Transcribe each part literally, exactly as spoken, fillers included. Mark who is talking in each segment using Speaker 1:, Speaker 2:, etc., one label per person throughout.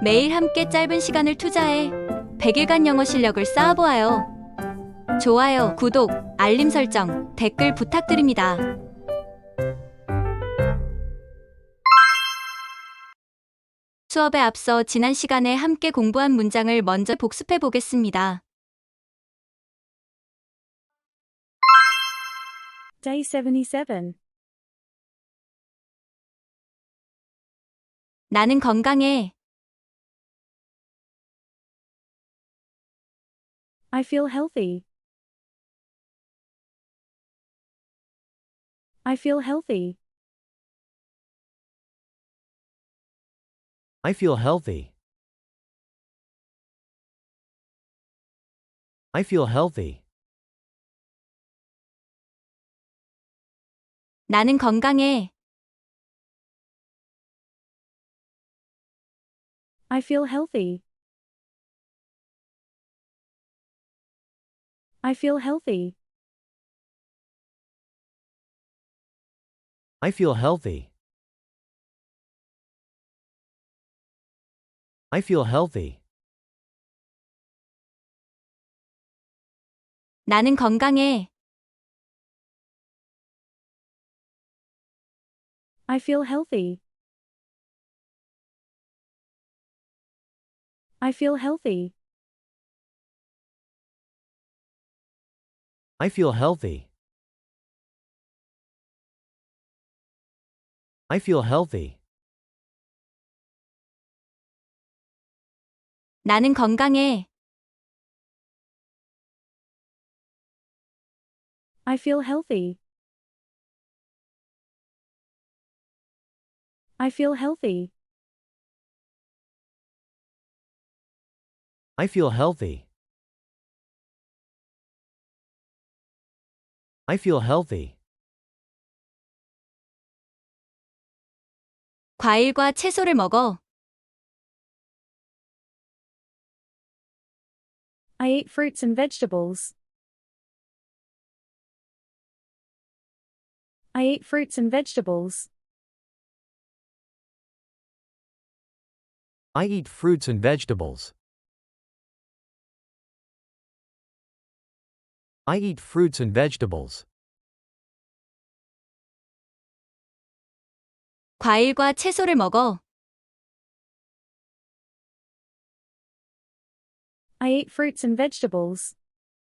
Speaker 1: 매일 함께 짧은 시간을 투자해 백 일간 영어 실력을 쌓아보아요. 좋아요, 구독, 알림 설정, 댓글 부탁드립니다. 수업에 앞서 지난 시간에 함께 공부한 문장을 먼저 복습해 보겠습니다.
Speaker 2: Day seventy-seven.
Speaker 1: 나는 건강해.
Speaker 2: I feel healthy. I feel healthy.
Speaker 3: I feel healthy. I feel healthy.
Speaker 1: 나는 건강해.
Speaker 2: I feel healthy. I feel healthy.
Speaker 3: I feel healthy. I feel healthy.
Speaker 1: 나는 건강해.
Speaker 2: I feel healthy. I feel healthy.
Speaker 3: I feel healthy. I feel healthy.
Speaker 1: 나는 건강해.
Speaker 2: I feel healthy. I feel healthy.
Speaker 3: I feel healthy. I feel healthy.
Speaker 1: 과일과 채소를 먹어.
Speaker 2: I eat fruits and vegetables. I eat fruits and vegetables.
Speaker 3: I eat fruits and vegetables. I eat fruits and vegetables.
Speaker 1: 과일과 채소를 먹어.
Speaker 2: I eat fruits and vegetables.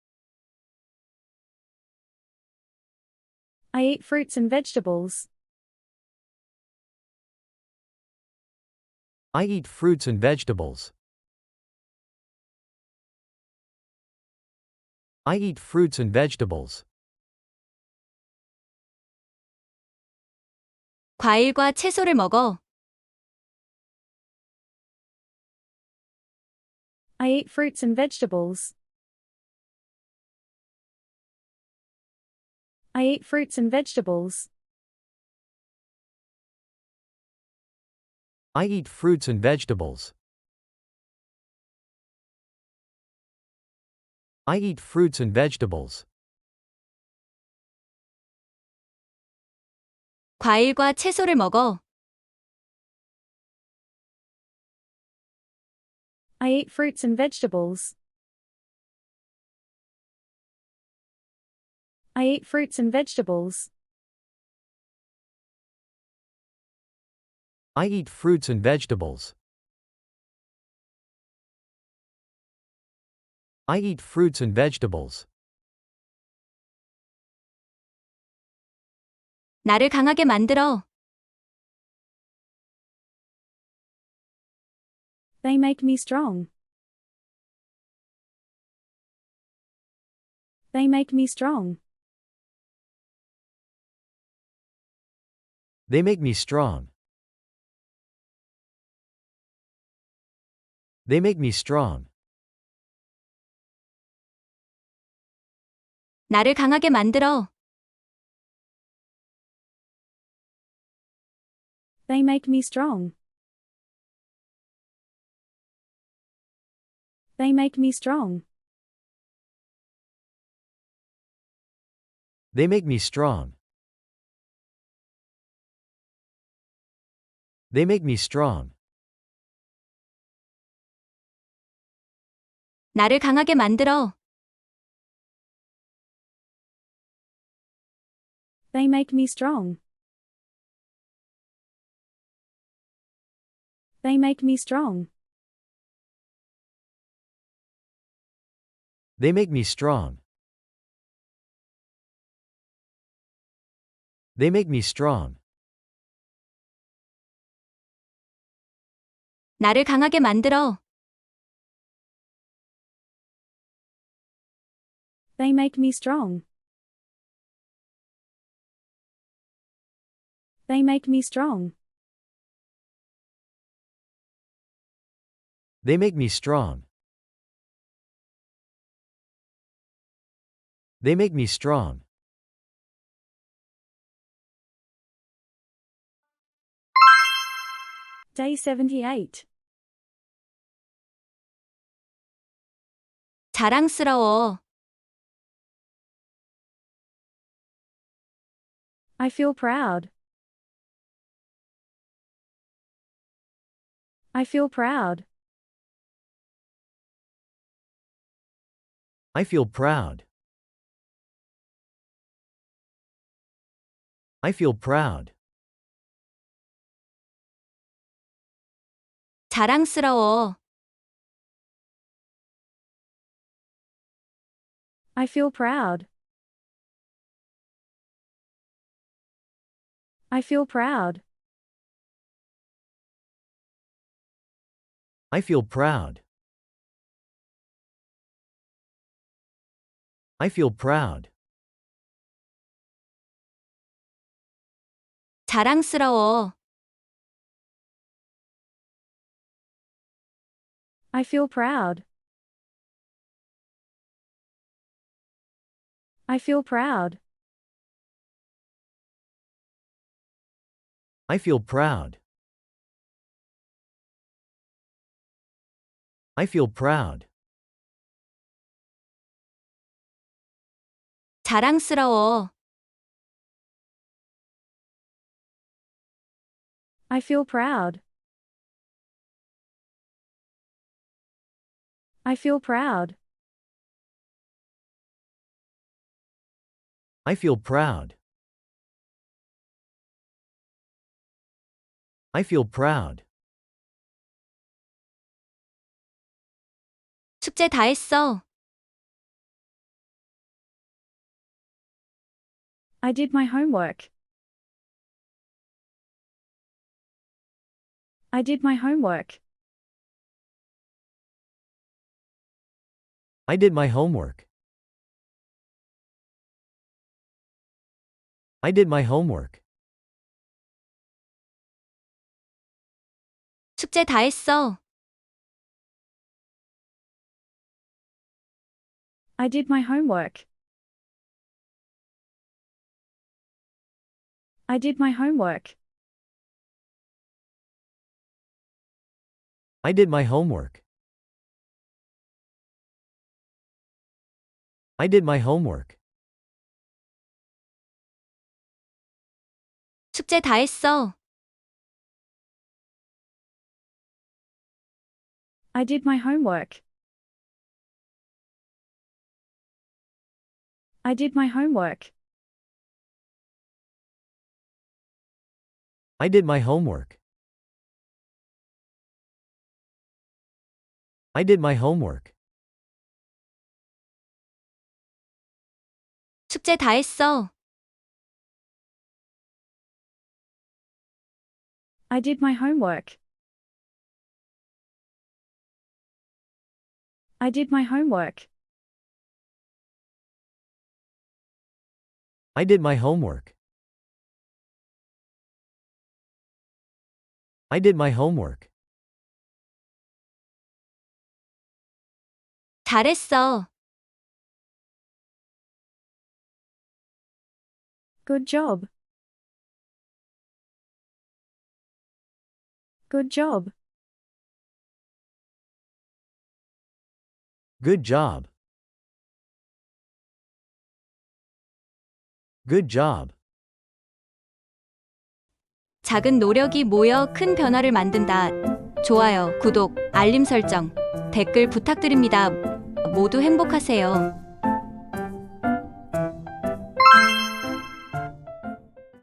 Speaker 2: I eat fruits and vegetables.
Speaker 3: I eat fruits and vegetables. I eat fruits and vegetables.
Speaker 1: 과일과 채소를 먹어.
Speaker 2: I eat fruits and vegetables. I eat fruits and vegetables.
Speaker 3: I eat fruits and vegetables. I eat fruits and vegetables.
Speaker 1: 과일과 채소를 먹어.
Speaker 2: I eat fruits and vegetables. I eat fruits and vegetables.
Speaker 3: I eat fruits and vegetables. I eat fruits and vegetables.
Speaker 1: 나를 강하게 만들어.
Speaker 2: They make me strong. They make me strong.
Speaker 3: They make me strong. They make me strong.
Speaker 1: 나를 강하게 만들어.
Speaker 2: They make me strong. They make me strong.
Speaker 3: They make me strong. They make me strong.
Speaker 1: 나를 강하게 만들어.
Speaker 2: They make me strong. They make me strong.
Speaker 3: They make me strong. They make me strong.
Speaker 1: 나를 강하게 만들어.
Speaker 2: They make me strong. They make me strong.
Speaker 3: They make me strong. They make me strong.
Speaker 2: Day seventy-eight.
Speaker 1: 자랑스러워.
Speaker 2: I feel proud. I feel proud.
Speaker 3: I feel proud. I feel proud.
Speaker 1: 자랑스러워.
Speaker 2: I feel proud. I feel proud.
Speaker 3: I feel proud. I feel proud.
Speaker 1: 자랑스러워.
Speaker 2: I feel proud. I feel proud.
Speaker 3: I feel proud. I feel proud.
Speaker 1: 자랑스러워.
Speaker 2: I feel proud. I feel proud.
Speaker 3: I feel proud. I feel proud.
Speaker 1: 숙제 다 했어.
Speaker 2: I did my homework. I did my homework.
Speaker 3: I did my homework. I did my homework.
Speaker 1: 숙제 다 했어.
Speaker 2: I did my homework. I did my homework.
Speaker 3: I did my homework. I did my homework.
Speaker 1: 숙제 다 했어.
Speaker 2: I did my homework. I did my homework.
Speaker 3: I did my homework. I did my homework.
Speaker 1: 숙제 다 했어.
Speaker 2: I did my homework. I did my homework.
Speaker 3: I did my homework. I did my homework.
Speaker 1: 잘했어.
Speaker 2: Good job. Good job.
Speaker 3: Good job. Good job.
Speaker 1: 작은 노력이 모여 큰 변화를 만든다. 좋아요, 구독, 알림 설정, 댓글 부탁드립니다. 모두 행복하세요.